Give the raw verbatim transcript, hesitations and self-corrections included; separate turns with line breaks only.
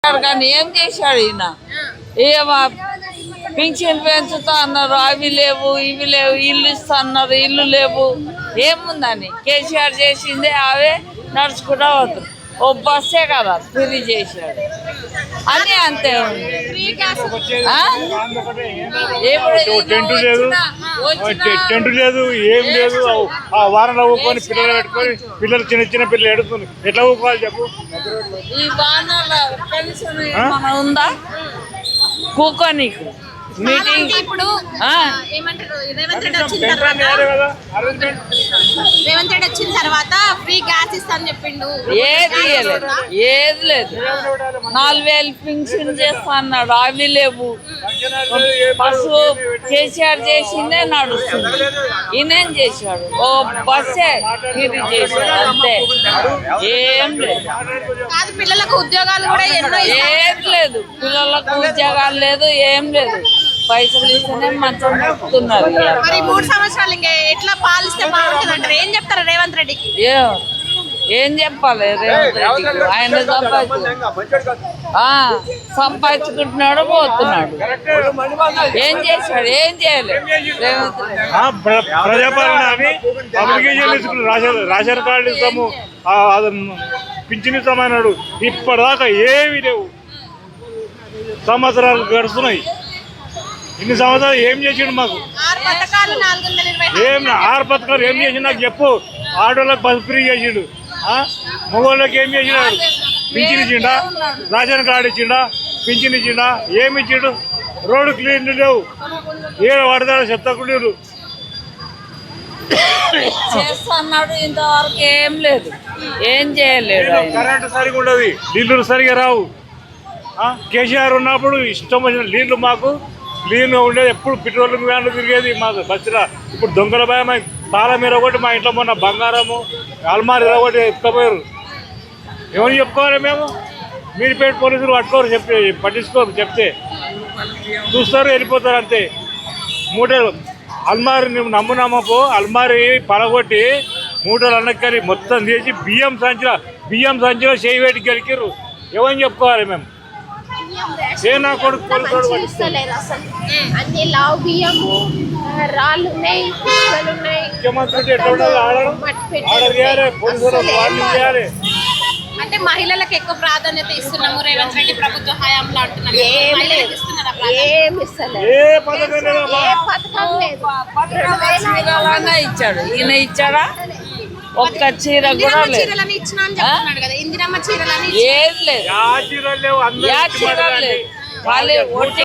కానీ ఏం చేశాడు ఈయన? ఏమో పింఛన్ పెంచుతా అన్నారు, అవి లేవు ఇవి లేవు, ఇల్లు ఇస్తా అన్నారు, ఇల్లు లేవు. ఏముందని కేసీఆర్ చేసిందే అవే నడుచుకుంటా వద్దు. ఓ బస్సే కదా ఫ్రీ చేశాడు అని అంతే.
టెంట్ లేదు, టెంట్ లేదు, ఏం లేదు. ఆ వారంలో ఊకొని పిల్లలు పెట్టుకొని పిల్లలు చిన్న చిన్న పిల్లలు ఎడుతుంది. ఎట్లా ఊకోవాలి చెప్పు?
ఈ వానల పెన్షన్ ఏమైనా ఉందా కూకోనీకు? మీటింగ్
ఇప్పుడు ఏమంటారు, రేవంత్ రెడ్డి వచ్చిన తర్వాత రేవంత్ రెడ్డి వచ్చిన తర్వాత ఫ్రీ గ్యాస్ ఇస్తా అని చెప్పిండు.
ఏది లేదు, ఏది లేదు. నాలుగు వేలు పింఛన్ చేస్తా అన్నాడు, అవి లేవు. బస్సు కేసీఆర్ చేసిందే నడుస్తుంది, ఈయనేం చేశాడు? ఓ బస్సే ఇది చేశాడు అంతే, ఏం లేదు.
కాదు, పిల్లలకు ఉద్యోగాలు కూడా ఎన్నో
ఏది లేదు, పిల్లలకు ఉద్యోగాలు లేదు, ఏం లేదు. పైసలు ఇస్తేనే మంచం నడుపుతున్నారు.
మరి మూడు సంవత్సరాలు ఇంకా ఎట్లా పాలిస్తే బాగుంటుంది అంటారు? ఏం చెప్తారు రేవంత్ రెడ్డికి?
ఏం చెప్పాలి రేవంత్ రెడ్డికి? ఆయన సంపాదించు సంపాదించుకుంటున్నాడు, పోతున్నాడు. ఏం చేశాడు? ఏం చేయలేదు రేవంత్ రెడ్డి.
ప్రజాపాలన అని అప్లికేషన్ తీసుకుని రేషన్ కార్డు ఇస్తాము, పింఛన్ ఇస్తామన్నాడు. ఇప్పటిదాకా ఏమి లేవు. సంవత్సరాలు గడుస్తున్నాయి. ఇన్ని సంవత్సరాలు ఏం చేసిండు మాకు? ఏం ఆరు పథకాలు ఏం చేసిండు నాకు చెప్పు. ఆడోళ్ళకి బస్ ఫ్రీ చేసిండు, మగవాళ్ళకి ఏం చేసినాడు? పింఛన్ ఇచ్చిండా? రేషన్ కార్డు ఇచ్చిండా? పింఛన్ ఇచ్చిండా? ఏమి ఇచ్చిండు? రోడ్డు క్లీన్ లేవు, ఏ పడతాడు చెత్తకుండీలు
చేస్తున్నాడు. ఇంతవరకు ఏం లేదు, ఏం చేయలేడు.
కరెంటు సరిగా ఉండదు, నీళ్లు సరిగా రావు. కేసీఆర్ ఉన్నప్పుడు ఇష్టం వచ్చిన నీళ్లు మాకు క్లీన్గా ఉండేది. ఎప్పుడు పెట్రోల్ వ్యాన్లు తిరిగేది మాకు బస్సులో. ఇప్పుడు దొంగల భయం. తాళం మీద ఒకటి మా ఇంట్లో మొన్న బంగారము అల్మారి ఒకటి ఎత్తుకపోయారు. ఎవరు చెప్పుకోవాలి మేము? మీరుపేట పోలీసులు పట్టుకోరు, చెప్తే పట్టించుకోరు. చెప్తే చూస్తారు, వెళ్ళిపోతారు అంతే. మూటలు అల్మారి నువ్వు నమ్మునమ్మపో అల్మారి పలగొట్టి మూటలు అన్నక్కని మొత్తం తీసి బియ్యం సంచిలో బియ్యం సంచిలో చేయి వేటికి గెలికిర్రు. ఎవరిని చెప్పుకోవాలి మేము? ఏ నా కొడుకు
అన్ని లావు బియ్యము రాళ్ళు ఉన్నాయి,
ముఖ్యమంత్రి ఎట్లా ఉండాలి? ఆడడం ఆర్డర్ చేయాలి, పోలీసులు వార్నింగ్ చేయాలి.
అంటే మహిళలకు ఎక్కువ ప్రాధాన్యత ఇస్తున్నాము రేవంత్ రెడ్డి ప్రభుత్వ హయాంలో అంటున్నారు.
ఏ పథకం
చీరలన్నా ఇచ్చాడు, ఈయన ఇచ్చాడా? ఒక్క చీర కూడా లేదు.
ఇందిరమ్మ చీరలని
ఏది లేదు,
చీరలు లేవు.
ఖాళీ